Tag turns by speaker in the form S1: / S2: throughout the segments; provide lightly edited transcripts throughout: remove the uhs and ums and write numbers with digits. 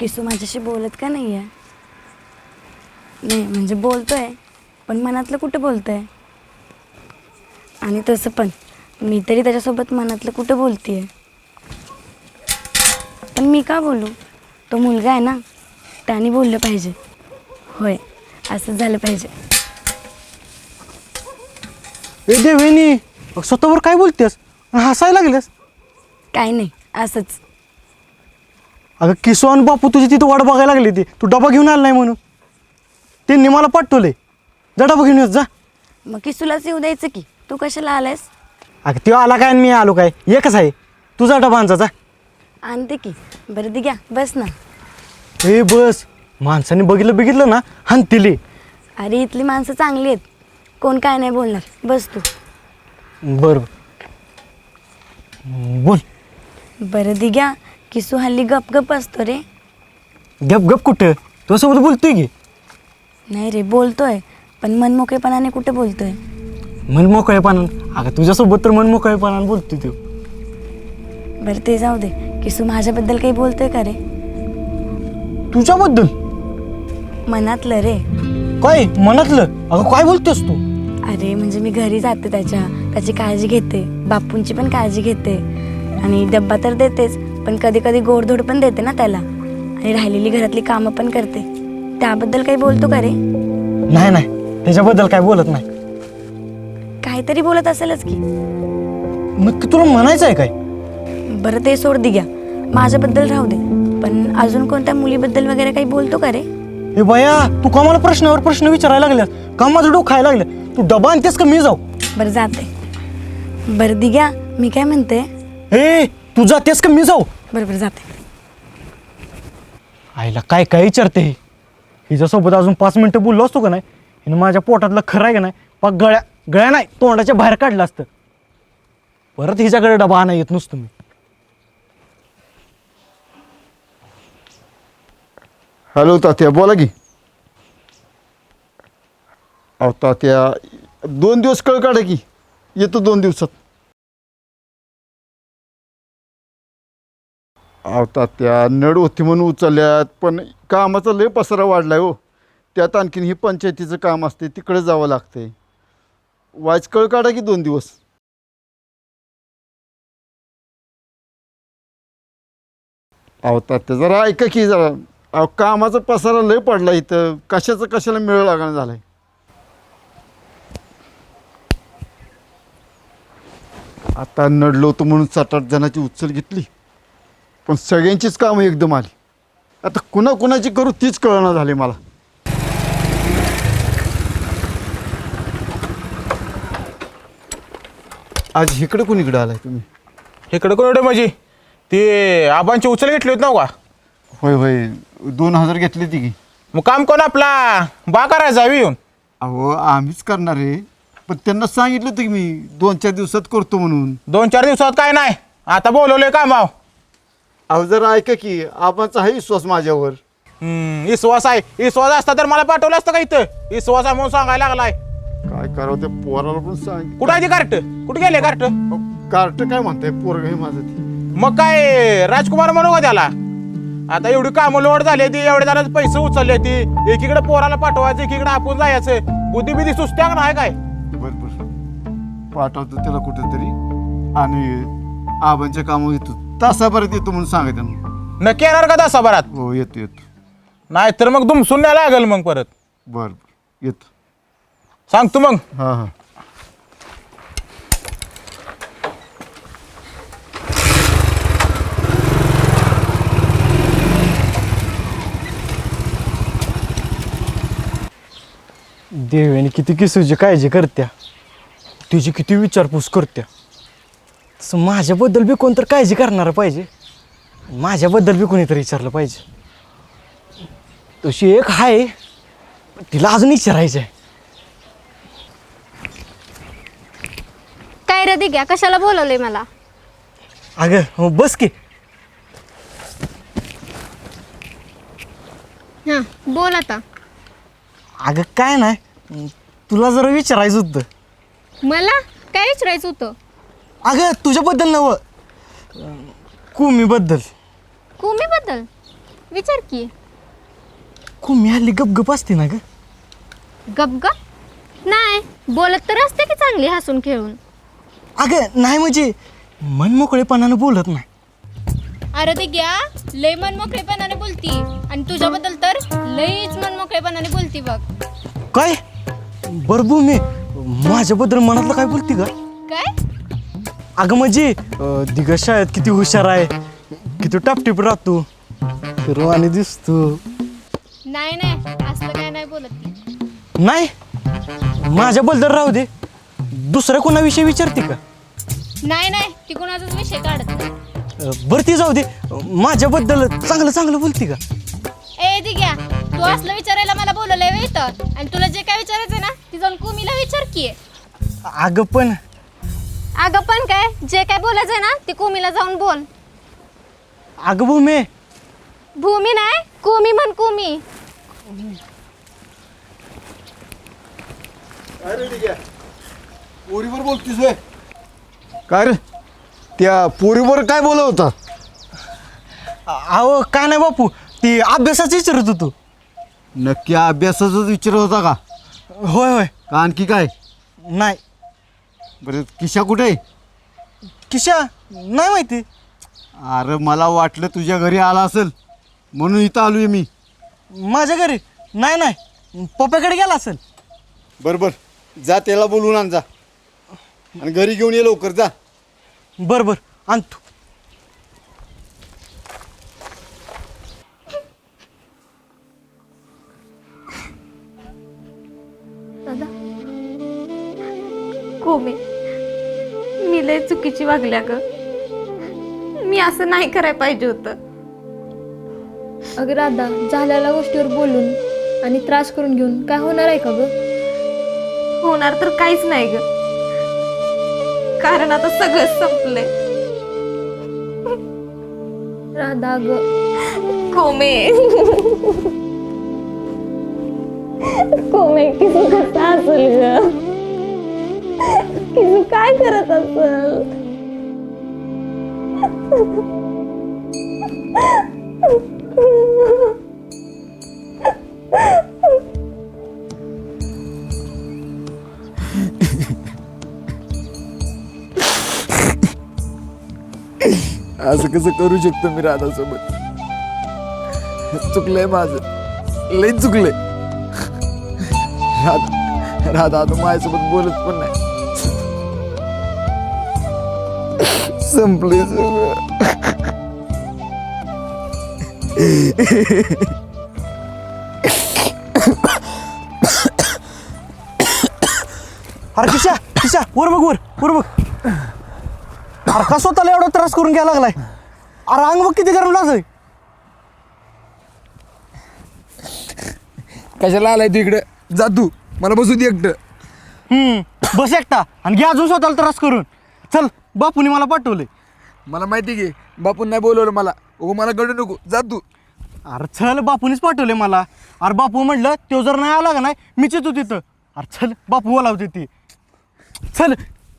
S1: किसू माझ्याशी बोलत का नाही आहे? नाही म्हणजे बोलतोय, पण मनातलं कुठं बोलतोय? आणि तसं पण मी तरी त्याच्यासोबत मनातलं कुठं बोलते आहे? पण मी का बोलू? तो मुलगा आहे ना, त्याने बोललं पाहिजे. होय, असंच झालं पाहिजे.
S2: ए देवेनी, स्वतःवर काय बोलतेस? हसायला लागलेस?
S1: काय नाही, असंच.
S2: अगं किसू आणि बापू तुझी तिथं वाट बघायला लागली ती, तू डबा घेऊन आला नाही म्हणून. त्यांनी मला पाठवले, जा डबा घेऊन येत जा.
S1: मग किसूलाच येऊ द्यायचं की, तू कशाला आलायस?
S2: अगं तो आला काय आणि मी आलो काय, एकच आहे. तुझा डबा आणचा जा.
S1: आणते की. बरं दे, घ्या बस ना.
S2: ए बस, माणसाने बघितलं ना हानतिली.
S1: अरे इथली माणसं चांगली आहेत, कोण काय नाही बोलणार. बस तू.
S2: बरं बोल.
S1: बरं दे, घ्या. किसू हल्ली गप गप असतो रे.
S2: गप गप कुठं, तुझ्यासोबत बोलतोय की.
S1: नाही रे, बोलतोय, पण मनमोकळेपणाने कुठे बोलतोय?
S2: मन मोकळेपणानं? अगं तुझ्यासोबत तर मन मोकळेपणानं बोलतोय तू.
S1: बरं ते जाऊ दे. किसू माझ्याबद्दल काही बोलतोय का रे?
S2: तुझ्याबद्दल?
S1: मनातलं रे.
S2: काय मनातलं? अगं काय बोलतेस तू?
S1: अरे म्हणजे मी घरी जाते, त्याची काळजी घेते, बापूंची पण काळजी घेते, आणि डब्बा तर देतेच, पण कधी कधी गोडधोड पण देते ना त्याला, आणि राहिलेली घरातली कामं पण करते. त्याबद्दल काही बोलतो का रे?
S2: नाही नाही, त्याच्याबद्दल काय बोलत नाही.
S1: काहीतरी बोलत असेलच की.
S2: नक्की तुला म्हणायचं आहे काय?
S1: बरं ते सोड, दे घ्या. माझ्याबद्दल राहू दे, पण अजून कोणत्या मुलीबद्दल वगैरे काही बोलतो का रे?
S2: हे बया, तू का मला प्रश्नावर प्रश्न विचारायला लागल्यास? का माझं डोकं खायला लागलं? तू डबा आणतेस का मी जाऊ?
S1: बरं जाते. बरं दे घ्या, मी काय म्हणते?
S2: ए तू जातेस का मी जाऊ?
S1: बरं बरं जाते.
S2: आईला काय काय विचारते ही? हिच्यासोबत अजून 5 मिनिटं बोललो असतो का नाही, हिनं माझ्या पोटातलं खरं आहे का नाही, पाक गळ्या नाही तोंडाच्या बाहेर काढलं असतं. परत हिच्याकडे डबा आणा येत नसतो मी.
S3: हॅलो तात्या, बोला की. अहो तात्या, 2 दिवस कळ काढा की, येतो 2 दिवसात. अहो तात्या, नड होती म्हणून उचलल्यात, पण कामाचा लय पसारा वाढलाय हो. त्यात आणखीन ही पंचायतीचं काम असते, तिकडे जावं लागतंय. वाच कळ काढा की 2 दिवस. अहो तात्या, जरा ऐका की जरा. अहो कामाचा पसारा लय पडला इथं, कशाला मेळ लागणं झालाय. आता नडलो होतो म्हणून 7-8 जणांची उचल घेतली, पण सगळ्यांचीच कामं एकदम आली. आता कुणाची करू तीच कळना झाली मला. आज इकडे कुणीकडे आलाय तुम्ही?
S4: इकडं कोण एवढे म्हणजे ते आबांची उचल घेतली होती ना का?
S3: होय 2000 घेतली ती की.
S4: मग काम कोण आपला बा करायचा येऊन?
S3: अहो आम्हीच करणार आहे, पण त्यांना सांगितलं होतं की मी 2-4 दिवसात करतो म्हणून.
S4: 2-4 दिवसात काय नाही, आता बोलवलंय कामाव.
S3: अहो जरा ऐका की, आबांचा आहे विश्वास माझ्यावर.
S4: विश्वास आहे, विश्वास असता तर मला पाठवलं असतं का इथं? विश्वास आहे म्हणून सांगायला लागलाय.
S3: काय करावं त्या पोराला पण सांग.
S4: कुठं आहे ती कार्ट? कुठे गेले कार्ट?
S3: कार्ट काय म्हणताय, पोरग आहे माझं ती.
S4: मग काय राजकुमार म्हणू का त्याला? आता एवढी कामं लोड झाली ती, एवढे जणांचे पैसे उचलले ती, एकीकडे पोराला पाठवायचं, एकीकडे आपण जायचं. बुद्धी सुस्त्या नाही काय?
S3: बरं पाठवतो त्याला कुठेतरी, आणि आबांच्या कामं येतो, तासाभरात येतो म्हणून सांगा त्यांना.
S4: नक्की येणार का तासाभरात?
S3: हो येतो.
S4: नाही तर मग दुमसून न्यायला लागेल मग परत.
S3: बरं येतो.
S4: सांगतो मग.
S3: हां.
S2: देवेने किती किसूची काळजी करत्या, तिची किती विचारपूस करत्या, तसं माझ्याबद्दल बी कोणतरी काळजी करणारं पाहिजे, माझ्याबद्दल बी कोणीतरी विचारलं पाहिजे. तशी एक आहे, तिला अजून विचारायचं आहे.
S5: काय रे दिग्या, कशाला बोलवलंय मला?
S2: अगं हो बस की.
S5: हां बोल आता.
S2: अगं काय नाही, तुला जरा विचारायचं होतं.
S5: मला काय विचारायचं होतं?
S2: अगं तुझ्याबद्दल नव्हं, कुमीबद्दल.
S5: कुमीबद्दल? विचार की.
S2: कुम्ही हल्ली गपगप असते ना ग.
S5: गप नाही, बोलत तर असते की चांगली हसून खेळून.
S2: अगं नाही म्हणजे मन मोकळेपणानं बोलत नाही.
S5: अरे ते घ्या, लय मनमोकळेपणाने बोलती आणि तुझ्याबद्दल तर लईच मनमोकळेपणाने बोलती बघ.
S2: काय बरं भूमी, माझ्याबद्दल मनातलं काय बोलती का?
S5: काय?
S2: अगं म्हणजे दिग्गज शाळेत किती हुशार आहे, किती टापटीप राहतो, फिरवानी दिसतो.
S5: नाही असलं काय नाही बोलत ती.
S2: नाही माझ्याबद्दल राहू दे, दुसऱ्या कोणाविषयी विचारते का?
S5: नाही ती कोणाचाच विषय काढत नाही.
S2: बरं ती जाऊ दे, माझ्याबद्दल चांगलं चांगलं बोलते का?
S5: ए दिग्या, तू असलं विचारायला मला बोलवलंय व्हय इथं, आणि तुला जे काय विचारायचं ना ती जाऊन कुमीला विचार की.
S2: अगं पण
S5: अगं पण काय, जे काय बोलायचंय ना ते कुमीला जाऊन बोल.
S2: अगं भूमी,
S5: भूमी नाही, कुमी म्हण, कुमी.
S3: पोरीवर बोलतीस वे काय रे? त्या पोरीवर काय बोलत होता?
S2: अहो काय नाही बापू, ती अभ्यासाचं विचारत होतो.
S3: नक्की अभ्यासाचाच विचारत होता का?
S2: होय होय.
S3: का आणखी काय?
S2: नाही.
S3: बरं किशा कुठे आहे?
S2: किशा नाही माहिती.
S3: अरे मला वाटलं तुझ्या घरी आला असेल म्हणून इथं आलोय मी.
S2: माझ्या घरी नाही, पप्पाकडे गेला असेल.
S3: बरोबर, जा त्याला बोलवून आण जा, आणि घरी घेऊन ये लवकर जा.
S2: बरं आणतो.
S1: दादा, कोमे, मी लय चुकीची वागल्या ग. मी असं नाही करायला पाहिजे होतं.
S6: अगं राधा, झालेल्या गोष्टीवर बोलून आणि त्रास करून घेऊन काय होणार आहे का ग?
S1: होणार तर काहीच नाही ग, कारण आता सगळं संपलंय.
S6: राधा ग,
S1: कोमे, कोमे, किसू कसा असेल ग? किसू काय करत असेल?
S7: असं कसं करू शकतो मी राधासोबत? चुकलंय माझं, लय चुकलंय. राधा आता माझ्यासोबत बोलत पण नाही. संपले सगळं.
S2: अरे किशा वर बघ. अरे का स्वतःला एवढा त्रास करून घ्यायला लागलाय? अरे अंग बघ किती गरम लागतंय.
S7: कशाला आलाय तू इकडं? जा तू, मला बसू दे एकटं.
S2: बस एकटा आणि घे अजून स्वतःला त्रास करून. चल, बापूने मला पाठवले.
S7: मला माहिती की बापून नाही बोलवलं मला. मला कळू नको, जा तू.
S2: अरे चल, बापूनेच पाठवले मला. अरे बापू म्हटलं तो जर नाही आला का नाही मीच येतो तिथं. अरे चल, बापू बोलावते ती. चल.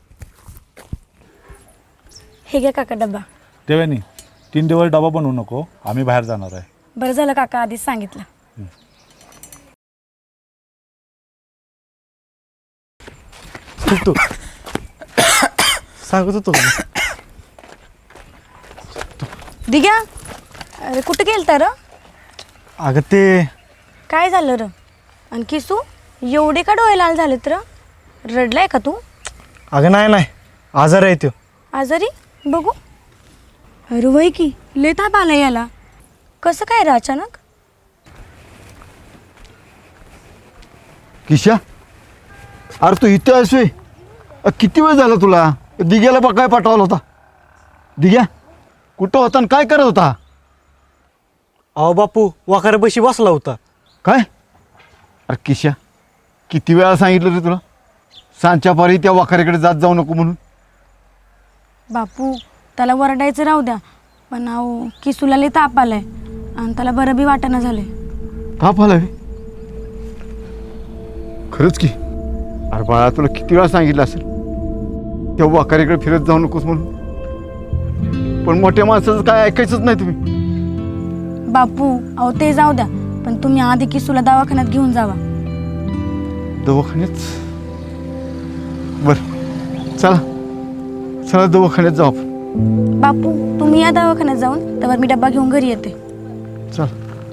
S1: हे घ्या काका डब्बा.
S8: देवानी 3 दिवस डबा बनवू नको, आम्ही बाहेर जाणार आहे.
S1: बरं झालं काका आधीच सांगितलं.
S2: तू सांगत होतो का?
S1: दिग्या, अरे कुठं गेलता र?
S2: अगं ते
S1: काय झालं र? आणि किसू एवढे का डोळे लाल झालेत र? रडलाय का तू?
S2: अगं नाही आजार आहे तो.
S1: आजारी? बघू. अरे वय की लय ताप आला याला. कसं काय रे अचानक?
S3: किशा, अरे तू इथे आहेस व्हय? किती वेळ झाला तुला? दिग्याला काय पाठवला होता? दिग्या कुठं होता आणि काय करत होता?
S2: अहो बापू वाकाऱ्यापाशी बसला होता.
S3: काय? अरे किशा, किती वेळा सांगितलं रे तुला सांच्या पारी त्या वाखाऱ्याकडे जात जाऊ नको म्हणून?
S1: बापू त्याला वरडायचं राहू द्या, पण अहो किसूला लय ताप आलाय आणि त्याला बरं बी वाटेना झालंय.
S3: ताप आला व्हय? खरंच की? अरे बाळा, तुला किती वेळा सांगितलं असेल त्या वाखाऱ्याकडे फिरत जाऊ नकोस म्हणून, पण मोठ्या माणसाचं काय ऐकायचंच नाही तुम्ही.
S1: बापू अहो ते जाऊ द्या, पण तुम्ही आधी किसूला दवाखान्यात घेऊन जावा.
S3: दवाखान्यात बरं चला चला दवाखान्यात जाऊ आपण.
S1: बापू तुम्ही या दवाखान्यात जाऊन, त्यावर मी डब्बा घेऊन घरी येते.
S3: चल.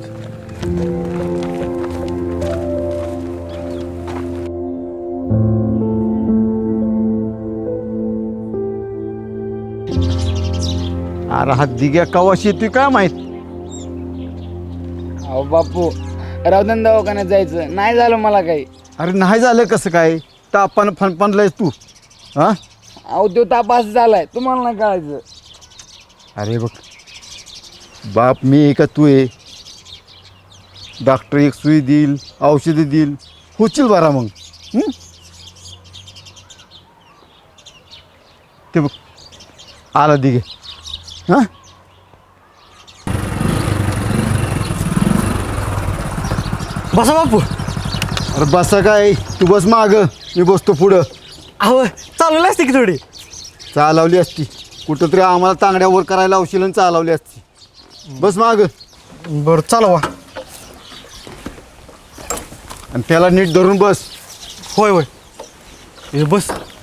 S3: अरे हा दिग्या कवाशी येतोय काय माहित.
S9: अहो बापू रावधन दवाखान्यात जायचं नाही झालं मला काही.
S3: अरे नाही झालं कसं काय, तापानं फणफणलायस तू. हा
S9: अहो तो तापास झालाय तुम्हाला नाही कळायचं.
S3: अरे बघ बाप मी आहे का तू आहे. डॉक्टर एक सुई देईल, औषधं देईल, होशील बरा मग. ते बघ आला दिगे. हां
S2: बसा बापू.
S3: अरे बसा काय, तू बस माग, मी बसतो पुढं.
S2: अहो चालवली असते की थोडी.
S3: चालवली असती कुठंतरी आम्हाला तांगड्यावर करायला लावशील आणि चालवली असती. बस माग
S2: बरं चालवा.
S3: आणि त्याला नीट धरून बस.
S2: होय होय बस.